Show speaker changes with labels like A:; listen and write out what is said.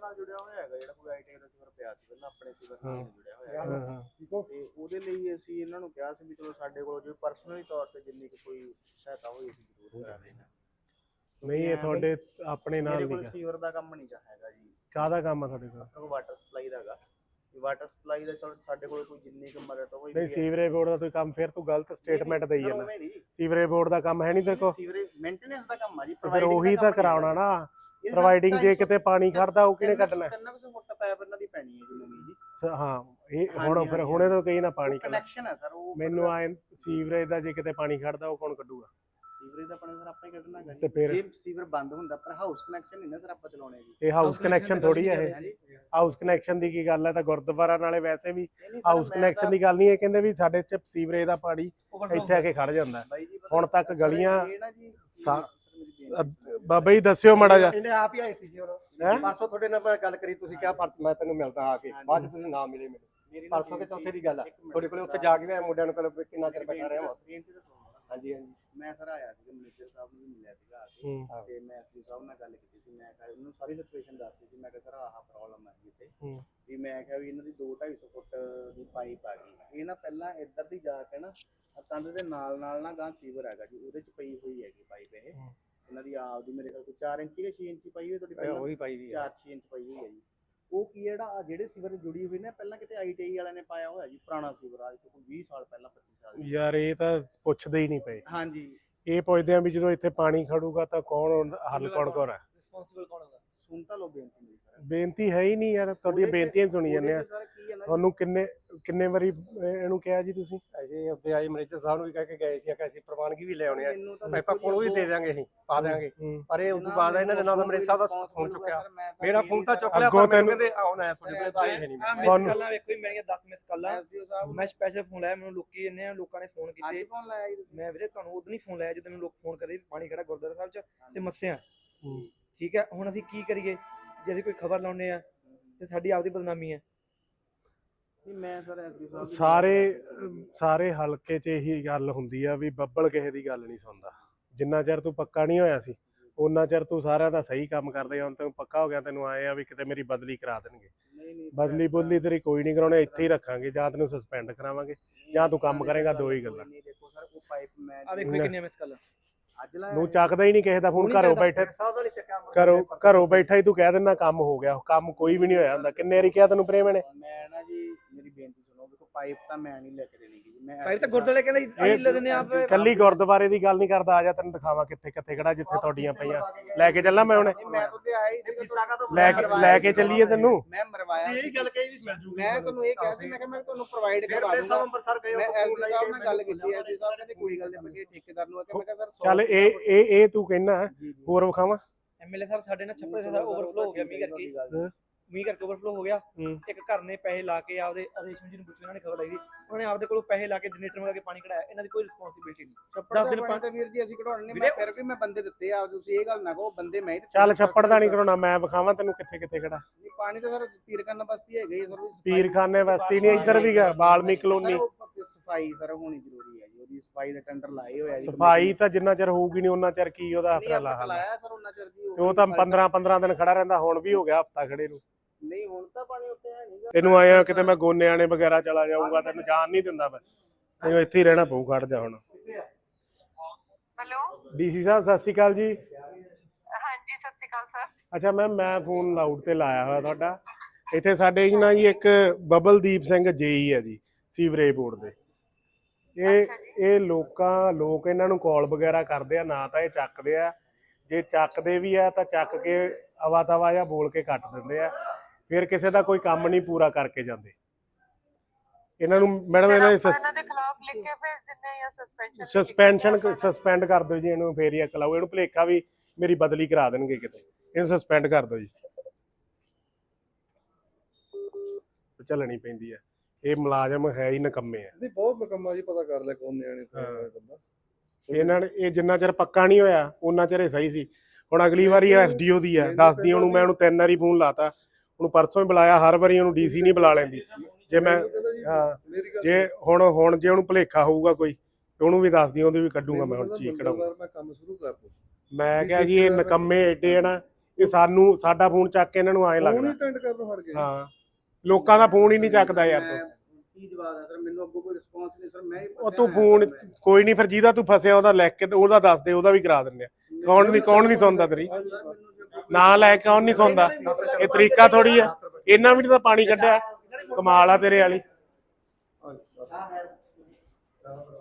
A: ਨਾਲ ਜੁੜਿਆ ਹੋਇਆ ਹੈਗਾ, ਜਿਹੜਾ ਕੋਈ ਆਈਟੀ ਦਾ ਸੀਵਰ ਪਿਆ ਸੀ ਪਹਿਲਾਂ ਆਪਣੇ ਸੀਵਰ ਨਾਲ ਜੁੜਿਆ ਹੋਇਆ ਹੈਗਾ। ਤੇ ਉਹਦੇ ਲਈ ਅਸੀਂ ਇਹਨਾਂ ਨੂੰ ਕਿਹਾ ਸੀ ਵੀ ਚਲੋ ਸਾਡੇ ਕੋਲ ਜੋ ਪਰਸਨਲੀ ਤੌਰ ਤੇ ਜਿੰਨੀ ਕੋਈ ਸਹਾਇਤਾ ਹੋਈ ਅਸੀਂ ਜ਼ਰੂਰ ਕਰਾ ਦੇਣਾ।
B: ਨਹੀਂ ਇਹ ਤੁਹਾਡੇ ਆਪਣੇ ਨਾਲ
A: ਨਹੀਂ ਗਾ, ਸੀਵਰ ਦਾ ਕੰਮ ਨਹੀਂ ਹੈਗਾ ਜੀ।
B: ਕਾਹਦਾ ਕੰਮ ਆ ਤੁਹਾਡੇ ਕੋਲ?
A: ਵਾਟਰ ਸਪਲਾਈ ਦਾ ਹੈਗਾ। ਵਾਟਰ ਸਪਲਾਈ ਦਾ ਸਾਡੇ ਕੋਲ ਕੋਈ ਜਿੰਨੀ ਕੁ ਮਦਦ ਹੋਈ
B: ਨਹੀਂ ਸੀਵਰੇਜ ਬੋਰਡ ਦਾ ਕੋਈ ਕੰਮ, ਫਿਰ ਤੂੰ ਗਲਤ ਸਟੇਟਮੈਂਟ ਦੇਈ ਜਾਂਦਾ। ਸੀਵਰੇਜ ਬੋਰਡ ਦਾ ਕੰਮ ਹੈ ਨਹੀਂ ਤੇਰੇ ਕੋਲ?
A: ਸੀਵਰੇਜ ਮੇਨਟੇਨੈਂਸ ਦਾ ਕੰਮ ਆ ਜੀ,
B: ਫਿਰ ਉਹੀ ਤਾਂ ਕਰਾਉਣਾ ਨਾ। ਪ੍ਰੋਵਾਈਡਿੰਗ ਜੇ ਕਿਤੇ ਪਾਣੀ ਖੜਦਾ ਉਹ ਕਿਹਨੇ ਕੱਢਣਾ?
A: 300 ਫੁੱਟ ਪਾਈਪ ਇਹਨਾਂ ਦੀ ਪੈਣੀ ਹੈ ਜੀ ਨਵੀਂ ਜੀ।
B: ਹਾਂ ਇਹ ਹੁਣ ਫਿਰ ਹੁਣੇ ਤੋਂ ਕਹੀ ਨਾ ਪਾਣੀ
A: ਕਨੈਕਸ਼ਨ ਹੈ ਸਰ ਉਹ।
B: ਮੈਨੂੰ ਆਏ ਸੀਵਰੇਜ ਦਾ ਜੇ ਕਿਤੇ ਪਾਣੀ ਖੜਦਾ ਉਹ ਕੌਣ ਕੱਢੂਗਾ?
A: ਸੀਵਰੇਜ ਦਾ ਪਾਣੀ ਸਰ ਆਪਾਂ ਹੀ ਕੱਢਣਾ ਹੈਗਾ
B: ਤੇ ਫਿਰ
A: ਜੇ ਸੀਵਰ ਬੰਦ ਹੁੰਦਾ, ਪਰ ਹਾਊਸ ਕਨੈਕਸ਼ਨ ਨਹੀਂ ਨਾ ਸਰ ਆਪਾਂ ਚਲਾਉਣੇ ਜੀ।
B: ਇਹ ਹਾਊਸ ਕਨੈਕਸ਼ਨ ਥੋੜੀ ਹੈ ਇਹ। ਹਾਊਸ ਕਨੈਕਸ਼ਨ ਦੀ ਕੀ ਗੱਲ ਹੈ? ਤਾਂ ਗੁਰਦੁਆਰਾ ਨਾਲੇ ਵੈਸੇ ਵੀ ਹਾਊਸ ਕਨੈਕਸ਼ਨ ਦੀ ਗੱਲ ਨਹੀਂ। ਇਹ ਕਹਿੰਦੇ ਵੀ ਸਾਡੇ ਚ ਸੀਵਰੇਜ ਦਾ ਪਾਣੀ ਇੱਥੇ ਆ ਕੇ ਖੜ ਜਾਂਦਾ। ਹੁਣ ਤੱਕ ਗਲੀਆਂ ਬਾਬਾ ਜੀ ਦੱਸਿਓ ਮਾੜਾ ਜਿਹਾ।
C: ਇਹਨੇ ਆਪ ਹੀ ਆਏ ਸੀ ਜੀ ਹੁਣ ਪਰਸੋਂ ਤੁਹਾਡੇ ਨਾਲ ਮੈਂ ਗੱਲ ਕਰੀ, ਤੁਸੀਂ ਕਿਹਾ ਮੈਂ ਤੈਨੂੰ ਮਿਲਦਾ ਆ ਕੇ, ਬਾਅਦ ਚ ਤੁਸੀਂ ਨਾ ਮਿਲੇ ਮੈਨੂੰ। ਪਰਸੋਂ ਕੇ ਚੌਥੇ ਦੀ ਗੱਲ ਆ, ਤੁਹਾਡੇ ਕੋਲੇ ਉੱਥੇ ਜਾ ਕੇ ਮੈਂ ਮੁੰਡਿਆਂ ਨੂੰ ਕੋਲ ਕਿੰਨਾ ਚਿਰ ਬੈਠਾ ਰਿਹਾ। ਹਾਂਜੀ ਹਾਂਜੀ
A: ਮੈਂ ਸਰ ਆਇਆ ਸੀ ਮੈਨੇਜਰ ਸਾਹਿਬ ਨੂੰ ਵੀ ਮਿਲਿਆ ਸੀਗਾ ਆ ਕੇ, ਤੇ ਮੈਂ ਐਸਪੀ ਸਾਹਿਬ ਨਾਲ ਗੱਲ ਕੀਤੀ ਸੀ। ਮੈਂ ਕਿਹਾ ਉਹਨੂੰ ਸਾਰੀ ਸਿਚੁਏਸ਼ਨ ਦੱਸੀ ਸੀ। ਮੈਂ ਕਿਹਾ ਸਰ ਆਹ ਪ੍ਰੋਬਲਮ ਹੈ ਜੀ ਤੇ ਵੀ ਮੈਂ ਕਿਹਾ ਵੀ ਇਹਨਾਂ ਦੀ 2-250 ਫੁੱਟ ਦੀ ਪਾਈਪ ਆ ਗਈ। ਇਹ ਨਾ ਪਹਿਲਾਂ ਇੱਧਰ ਦੀ ਜਾ ਕੇ ਨਾ ਕੰਧ ਦੇ ਨਾਲ ਨਾ ਗਾਂ ਸੀਵਰ ਹੈਗਾ ਜੀ, ਉਹਦੇ ਚ ਪਈ ਹੋਈ ਹੈਗੀ ਪਾਈਪ। ਇਹ ਇਹਨਾਂ ਦੀ ਆਪ ਦੀ ਮੇਰੇ ਕੋਲ 4 ਇੰਚ ਜਾਂ 6 ਇੰਚ ਪਈ ਹੋਈ ਤੁਹਾਡੀ ਪਹਿਲਾਂ?
C: ਉਹੀ ਪਾਈ ਦੀ
A: 4-6 ਇੰਚ ਪਈ ਹੋਈ ਹੈ ਜੀ। ਉਹ ਕੀ ਜਿਹੜਾ ਜਿਹੜੇ ਸੀਵਰ ਜੁੜੀ ਹੋਈ ਨੇ ਪਹਿਲਾਂ ਕਿਤੇ ਆਈਟੀਆਈ ਵਾਲਿਆਂ ਨੇ ਪਾਇਆ ਹੋਇਆ ਜੀ, ਪੁਰਾਣਾ ਸੀਵਰ ਅੱਜ ਤੋਂ ਕੋਈ 20 ਸਾਲ ਪਹਿਲਾਂ 25 ਸਾਲ।
B: ਯਾਰ ਇਹ ਤਾਂ ਪੁੱਛਦੇ ਹੀ ਨਹੀਂ ਪਏ।
A: ਹਾਂਜੀ
B: ਇਹ ਪੁੱਛਦੇ ਆ ਵੀ ਜਦੋਂ ਇੱਥੇ ਪਾਣੀ ਖੜੂਗਾ ਤਾਂ ਕੌਣ ਹੱਲ ਕੌਣ ਕਰੇ?
A: ਰਿਸਪੌਂਸਿਬਲ ਕੌਣ ਹੋਗਾ? ਸੁਣ ਤਾਂ ਲੋ ਬੇਨਤੀ ਮੇਰੀ ਸਰ।
B: ਬੇਨਤੀ ਹੈ ਹੀ ਨਹੀਂ ਯਾਰ, ਤੁਹਾਡੀਆਂ ਬੇਨਤੀਆਂ ਸੁਣੀ ਜਾਂਦੇ ਆ। ਤੁਹਾਨੂੰ ਕਿੰਨੇ ਵਾਰੀ ਇਹਨੂੰ ਕਿਹਾ ਜੀ ਤੁਸੀਂ?
C: ਅਜੇ ਉੱਤੇ ਆਏ ਮੈਨੇਜਰ ਸਾਹਿਬ ਨੂੰ ਵੀ ਕਹਿ ਕੇ ਗਏ ਸੀ ਕਿ ਅਸੀਂ ਪ੍ਰਵਾਨਗੀ ਵੀ ਲੈ ਆਉਣੇ ਆ, ਪਾਈਪਾਂ ਕੋਲੋਂ ਵੀ ਦੇ ਦਿਆਂਗੇ, ਅਸੀਂ ਪਾ ਦਿਆਂਗੇ। ਪਰ ਇਹ ਉਦੋਂ ਬਾਅਦ ਇਹਨਾਂ ਨੇ ਨਾ ਮੈਨੇਜਰ ਸਾਹਿਬ ਦਾ ਫੋਨ ਚੁੱਕਿਆ, ਮੇਰਾ ਫੋਨ ਤਾਂ ਚੁੱਕ ਲਿਆ, ਪਰ ਮੈਨੂੰ ਕਹਿੰਦੇ ਆਉਣਾ ਤੁਹਾਡੇ ਕੋਲ ਤਾਂ ਆਏ ਨਹੀਂ।
D: ਮਿਸ ਕਾਲਾਂ ਵੇਖੋ ਜੀ, ਮੇਰੀਆਂ 10 ਮਿਸ ਕਾਲਾਂ। ਮੈਂ ਸਪੈਸ਼ਲ ਫੋਨ ਲਾਇਆ, ਮੈਨੂੰ ਲੋਕੀ ਇੰਨੇ ਆ ਲੋਕਾਂ ਨੇ ਫੋਨ ਕੀਤੇ। ਮੈਂ ਵੀਰੇ ਤੁਹਾਨੂੰ ਉਦੋਂ ਨਹੀਂ ਫੋਨ ਲਾਇਆ ਜਦੋਂ ਮੈਨੂੰ ਲੋਕ ਫੋਨ ਕਰੇ ਪਾਣੀ ਖੜਾ ਗੁਰਦੁਆਰਾ ਸਾਹਿਬ ਚ ਤੇ ਮੱਸਿਆ। ਠੀਕ ਹੈ, ਹੁਣ ਅਸੀਂ ਕੀ ਕਰੀਏ? ਜੇ ਅਸੀਂ ਕੋਈ ਖਬਰ ਲਾਉਨੇ ਆ ਤੇ ਸਾਡੀ ਆਪਦੀ ਬਦਨਾਮੀ ਹੈ।
A: ਮੈਂ ਸਰ ਐਸਪੀ
B: ਸਾਹਿਬ ਸਾਰੇ ਹਲਕੇ 'ਚ ਇਹੀ ਗੱਲ ਹੁੰਦੀ ਆ ਵੀ ਬੱਬਲ ਕਿਸੇ ਦੀ ਗੱਲ ਨਹੀਂ ਸੁਣਦਾ। ਜਿੰਨਾ ਚਿਰ ਤੂੰ ਪੱਕਾ ਨਹੀਂ ਹੋਇਆ ਸੀ ਉਹਨਾਂ ਚਿਰ ਤੂੰ ਸਾਰਿਆਂ ਦਾ ਸਹੀ ਕੰਮ ਕਰਦੇ। ਹੁਣ ਤੈਨੂੰ ਪੱਕਾ ਹੋ ਗਿਆ, ਤੈਨੂੰ ਆਏ ਆ ਵੀ ਕਿਤੇ ਮੇਰੀ ਬਦਲੀ ਕਰਾ ਦੇਣਗੇ। ਬਦਲੀ ਤੇਰੀ ਕੋਈ ਨਹੀਂ ਕਰਾਉਣੀ, ਇੱਥੇ ਹੀ ਰੱਖਾਂਗੇ। ਜਾਂ ਤੈਨੂੰ ਸਸਪੈਂਡ ਕਰਾਵਾਂਗੇ ਜਾਂ ਤੂੰ ਕੰਮ ਕਰੇਗਾ, ਦੋ ਹੀ ਗੱਲਾਂ।
A: ਦੇਖੋ ਸਰ ਉਹ ਪਾਈਪ ਮੈਂ
D: ਆ ਵੇਖੋ ਕਿੰਨੀਆਂ ਮਿਸ ਕਾਲਾਂ।
B: ਨੂੰ ਚੱਕਦਾ ਹੀ ਨਹੀਂ ਕਿਸੇ ਦਾ ਫੋਨ। ਘਰੋਂ ਬੈਠੇ ਘਰੋਂ ਬੈਠਾ ਹੀ ਤੂੰ ਕਹਿ ਦਿੰਦਾ ਕੰਮ ਹੋ ਗਿਆ। ਕੰਮ ਕੋਈ ਵੀ ਨਹੀਂ ਹੋਇਆ ਹੁੰਦਾ। ਕਿੰਨੇ ਵਾਰੀ ਕਿਹਾ ਤੈਨੂੰ ਪ੍ਰੇਮ ਨੇ?
A: ਮੈਂ ਨਾ ਜੀ ਮੇਰੀ ਬੇਨਤੀ ਸੁਣੋ, ਦੇਖੋ ਪਾਈਪ ਤਾਂ ਮੈਂ ਨਹੀਂ ਲੈ ਕੇ ਦੇਣੀ ਜੀ। ਮੈਂ
D: ਪਾਈਪ ਤਾਂ ਗੁਰਦੁਆਰੇ ਕਹਿੰਦਾ ਅਸੀਂ ਲੈ ਦਿੰਦੇ ਆਪ।
B: ਕੱਲੀ ਗੁਰਦੁਆਰੇ ਦੀ ਗੱਲ ਨਹੀਂ ਕਰਦਾ, ਆ ਜਾ ਤੈਨੂੰ ਦਿਖਾਵਾਂ ਕਿੱਥੇ ਖੜਾ, ਜਿੱਥੇ ਤੁਹਾਡੀਆਂ ਪਈਆਂ। ਲੈ ਕੇ ਚੱਲਾਂ ਮੈਂ ਹੁਣੇ,
A: ਮੈਂ ਤਾਂ ਆਇਆ ਹੀ ਸੀਗਾ
B: ਲੈ ਕੇ ਚੱਲੀਏ ਤੈਨੂੰ।
A: ਮੈਂ ਮਰਵਾਇਆ ਸੀ, ਇਹ ਗੱਲ ਕਹੀ ਸੀ ਮੈਂ ਤੁਹਾਨੂੰ ਇਹ ਕਿਹਾ ਸੀ, ਮੈਂ ਕਿਹਾ ਮੈਂ ਤੁਹਾਨੂੰ ਪ੍ਰੋਵਾਈਡ ਕਰਵਾ ਦੂੰਗਾ। ਮੈਂ ਐਸਪੀ ਸਾਹਿਬ ਨਾਲ ਗੱਲ ਕੀਤੀ, ਐਸਪੀ ਸਾਹਿਬ ਕਹਿੰਦੇ ਕੋਈ ਗੱਲ ਨਹੀਂ, ਠੇਕੇਦਾਰ ਨੂੰ ਮੈਂ ਕਿਹਾ ਸਰ
B: ਚੱਲ ਇਹ ਤੂੰ ਕਹਿਣਾ ਹੋਰ ਵਿਖਾਵਾਂ।
D: ਐਮਐਲਏ ਸਾਹਿਬ ਸਾਡੇ ਨਾਲ ਛੱਪੜ ਸਾਡਾ ਓਵਰਫਲੋ ਹੋ ਗਿਆ ਮੀਂਹ ਕਰਕੇ ਓਵਰਫਲੋ ਹੋ ਗਿਆ। ਇੱਕ ਘਰ ਨੇ ਪੈਸੇ ਲਾ ਕੇ ਆਪਦੇ ਰੇਸ਼ਮ ਜੀ ਨੂੰ ਪੁੱਛਿਆ, ਉਹਨਾਂ ਨੇ ਖਬਰ ਲਾਈ ਸੀ, ਉਹਨਾਂ ਨੇ ਆਪਦੇ ਕੋਲੋਂ ਪੈਸੇ ਲਾ ਕੇ ਜਨਰੇਟਰ ਲਗਾ ਕੇ ਪਾਣੀ ਕਢਾਇਆ। ਇਹਨਾਂ ਦੀ ਕੋਈ ਰਿਸਪੌਂਸਿਬਿਲਟੀ ਨਹੀਂ। 10 ਦਿਨ ਪਾਣੀ ਤਾਂ ਵੀਰ ਜੀ ਅਸੀਂ ਕਢਾਉਣ ਨਹੀਂ, ਮੈਂ ਫਿਰ ਵੀ ਮੈਂ ਬੰਦੇ ਦਿੱਤੇ ਆ, ਤੁਸੀਂ ਇਹ ਗੱਲ ਨਾ ਕਹੋ ਬੰਦੇ ਮੈਂ ਹੀ।
B: ਚੱਲ ਛੱਪੜ ਦਾ ਨਹੀਂ ਕਰਾਉਣਾ, ਮੈਂ ਵਿਖਾਵਾਂ ਤੈਨੂੰ ਕਿੱਥੇ ਖੜਾ।
A: ਨਹੀਂ ਪਾਣੀ ਤਾਂ ਸਰ ਪੀਰਖਾਨਾ ਬਸਤੀ ਹੈਗੀ ਸਰ।
B: ਪੀਰਖਾਨੇ ਬਸਤੀ ਨਹੀਂ, ਇੱਧਰ ਵੀ ਗਾ ਬਾਲਮੀ ਕਲੋਨੀ।
A: ਸਫਾਈ ਸਰ ਹੋਣੀ ਜ਼ਰੂਰੀ ਹੈ ਜੀ, ਉਹਦੀ ਸਫਾਈ ਦੇ ਟੈਂਡਰ ਲਾਏ ਹੋਇਆ ਜੀ।
B: ਸਫਾਈ ਤਾਂ ਜਿੰਨਾ ਚਿਰ ਹੋਊਗੀ ਨਹੀਂ ਉਹਨਾਂ ਚਿਰ ਕੀ ਉਹਦਾ ਹਫਤਾ
A: ਲਾਇਆ ਸਰ, ਉਹਨਾਂ ਚਿਰ ਦੀ
B: ਉਹ ਤਾਂ 15 ਦਿਨ ਖੜਾ ਰਹਿੰਦਾ। ਹੁਣ ਵੀ ਹੋ ਗਿਆ ਹਫਤਾ ਖੜੇ ਨੂੰ।
A: ਨਹੀਂ ਹੁਣ ਤਾਂ ਪਾਣੀ ਉੱਤੇ ਹੈ ਨਹੀਂ।
B: ਤੈਨੂੰ ਆਇਆ ਕਿਤੇ ਮੈਂ ਗੋਨਿਆਣੇ ਵਗੈਰਾ ਚਲਾ ਜਾਊਂਗਾ, ਤੈਨੂੰ ਜਾਣ ਨਹੀਂ ਦਿੰਦਾ ਮੈਂ। ਤੈਨੂੰ ਇੱਥੇ ਹੀ ਰਹਿਣਾ ਪਊ, ਖੜ ਜਾ ਹੁਣ।
E: ਹੈਲੋ
B: ਡੀਸੀ ਸਾਹਿਬ ਸਤਿ ਸ਼੍ਰੀ ਅਕਾਲ ਜੀ।
E: ਹਾਂਜੀ ਸਤਿ ਸ਼੍ਰੀ ਅਕਾਲ ਸਰ।
B: ਅੱਛਾ ਮੈਮ, ਮੈਂ ਫੋਨ ਲਾਊਡ ਤੇ ਲਾਇਆ ਹੋਇਆ ਤੁਹਾਡਾ। ਇੱਥੇ ਸਾਡੇ ਨਾ ਜੀ ਇੱਕ ਬਬਲਦੀਪ ਸਿੰਘ ਜੇਈ ਹੈ ਜੀ, ਸੀਵਰੇਜ ਬੋਰਡ ਦੇ। ਇਹ ਲੋਕ ਇਹਨਾਂ ਨੂੰ ਕਾਲ ਵਗੈਰਾ ਕਰਦੇ ਆ, ਨਾ ਤਾਂ ਇਹ ਚੱਕਦੇ ਆ। ਜੇ ਚੱਕਦੇ ਵੀ ਆ ਤਾਂ ਚੱਕ ਕੇ ਅਵਾ ਤਵਾ ਜਾਂ ਬੋਲ ਕੇ ਕੱਟ ਦਿੰਦੇ ਆ। ਫਿਰ ਕਿਸੇ ਦਾ ਕੋਈ ਕੰਮ ਨਹੀਂ ਪੂਰਾ ਕਰਕੇ ਜਾਂਦੇ। ਇਹਨਾਂ ਨੂੰ ਮੈਡਮ ਇਹਨਾਂ ਦੇ
E: ਖਿਲਾਫ ਲਿਖ ਕੇ ਭੇਜ ਦਿੰਦੇ ਜਾਂ
B: ਸਸਪੈਂਡ ਕਰ ਦਿਓ ਜੀ ਇਹਨੂੰ। ਫੇਰ ਹੀ ਅਕਲ ਆਊ। ਇਹਨੂੰ ਭੁਲੇਖਾ ਵੀ ਮੇਰੀ ਬਦਲੀ ਕਰਾ ਦੇਣਗੇ ਕਿਤੇ, ਇਹਨੂੰ ਸਸਪੈਂਡ ਕਰ ਦਿਓ ਜੀ। ਚੱਲਣੀ ਪੈਂਦੀ ਹੈ, ਇਹ ਮੁਲਾਜ਼ਮ ਹੈ ਹੀ ਨਕੰਮੇ ਆ।
F: ਨਹੀਂ ਬਹੁਤ ਨਕੰਮਾ ਜੀ, ਪਤਾ ਕਰ ਲੈ ਕੌਣ ਨਿਆਣੇ ਬੰਦਾ।
B: ਇਹਨਾਂ ਨੇ ਇਹ ਜਿੰਨਾ ਚਿਰ ਪੱਕਾ ਨਹੀਂ ਹੋਇਆ ਉਹਨਾਂ ਚਿਰ ਇਹ ਸਹੀ ਸੀ। ਹੁਣ ਅਗਲੀ ਵਾਰੀ ਐਸਡੀਓ ਦੀ ਹੈ, ਦੱਸਦੀ ਉਹਨੂੰ। ਮੈਂ ਉਹਨੂੰ 3 ਵਾਰੀ ਫੋਨ ਲਾਤਾ, ਉਹਨੂੰ ਪਰਸੋਂ ਹੀ ਬੁਲਾਇਆ। ਹਰ ਵਾਰੀ ਉਹਨੂੰ ਡੀਸੀ ਨਹੀਂ ਬੁਲਾ ਲੈਂਦੀ। ਜੇ ਮੈਂ ਜੇ ਹੁਣ ਜੇ ਉਹਨੂੰ ਭੁਲੇਖਾ ਹੋਊਗਾ ਕੋਈ ਤੇ ਉਹਨੂੰ ਵੀ ਦੱਸਦੀ, ਉਹਦੀ ਵੀ ਕੱਢੂਗਾ ਮੈਂ। ਹੁਣ ਚੀਕ ਕਢਾਊਂਗਾ।
F: ਮੈਂ ਕੰਮ ਸ਼ੁਰੂ ਕਰ ਦੂੰ।
B: ਮੈਂ ਕਿਹਾ ਜੀ ਇਹ ਨਕੰਮੇ ਏਡੇ ਆ ਨਾ, ਇਹ ਸਾਡਾ ਫੋਨ ਚੱਕ ਕੇ ਇਹਨਾਂ ਨੂੰ ਐਂ
F: ਫੋਨ ਹੀ
B: ਲੱਗਦਾ।
F: ਅਟੈਂਡ ਕਰਨੋਂ ਹਟ ਗਏ।
B: ਹਾਂ, ਲੋਕਾਂ ਦਾ ਫੋਨ ਹੀ ਨਹੀਂ ਚੱਕਦਾ ਯਾਰ ਤੂੰ।
A: ਕੀ ਜਵਾਬ ਹੈ ਸਰ, ਮੈਨੂੰ ਅੱਗੋਂ ਕੋਈ ਰਿਸਪੌਂਸ ਨਹੀਂ ਸਰ। ਮੈਂ ਹੀ
B: ਉਹ
A: ਫਸਿਆ
B: ਤੂੰ
A: ਹੋਇਆ
B: ਫੋਨ
A: ਸਰ,
B: ਕੋਈ ਨਹੀਂ, ਫਿਰ ਜਿਹਦਾ ਤੂੰ ਫਸਿਆ ਉਹਦਾ ਲਿਖ ਕੇ ਤੇ ਉਹਦਾ ਦੱਸ ਦੇ, ਉਹਦਾ ਵੀ ਕਰਾ ਦਿੰਦੇ ਆ। ਕੌਣ ਨਹੀਂ ਸੁਣਦਾ ਤੇਰੀ
A: ਸਰ ਮੈਨੂੰ ਜੇ ਅੱਗੋਂ
B: ਨਾਂ ਲੈ ਕੇ ਕੌਣ ਨਹੀਂ ਸੁਣਦਾ। ਇਹ ਤਰੀਕਾ ਥੋੜੀ ਆ, ਇਹਨਾਂ ਵੀ ਤਾਂ ਪਾਣੀ ਕੱਢਿਆ। ਕਮਾਲ ਆ ਤੇਰੇ ਵਾਲੀ।